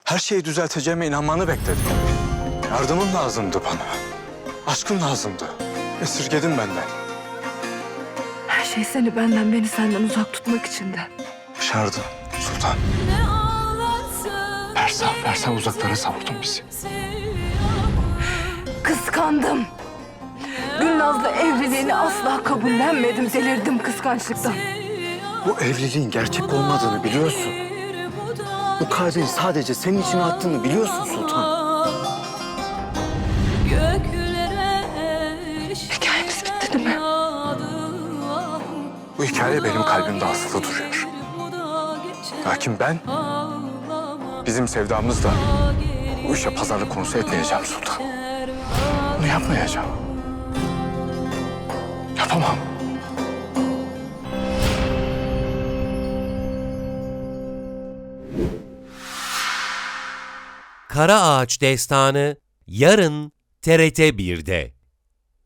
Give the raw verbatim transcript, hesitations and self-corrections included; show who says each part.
Speaker 1: Her şeyi düzelteceğime inanmanı bekledim. Yardımın lazımdı bana. Aşkın lazımdı. Esirgedin benden.
Speaker 2: Her şey seni benden, beni senden uzak tutmak için de.
Speaker 1: Başardın Sultan. Persa, Persa uzaklara savurdun bizi.
Speaker 2: Kıskandım. Gülnaz'la evliliğini asla kabullenmedim. Delirdim kıskançlıktan.
Speaker 1: Bu evliliğin gerçek olmadığını biliyorsun. Bu kalbin sadece senin için attığını biliyorsun Sultan.
Speaker 2: Hikayemiz bitti değil mi?
Speaker 1: Bu hikaye benim kalbimde asılı duruyor. Lakin ben bizim sevdamızla bu işe pazarlık konusu etmeyeceğim Sultan. Bunu yapmayacağım. Yapamam.
Speaker 3: Kara Ağaç Destanı yarın T R T bir'de.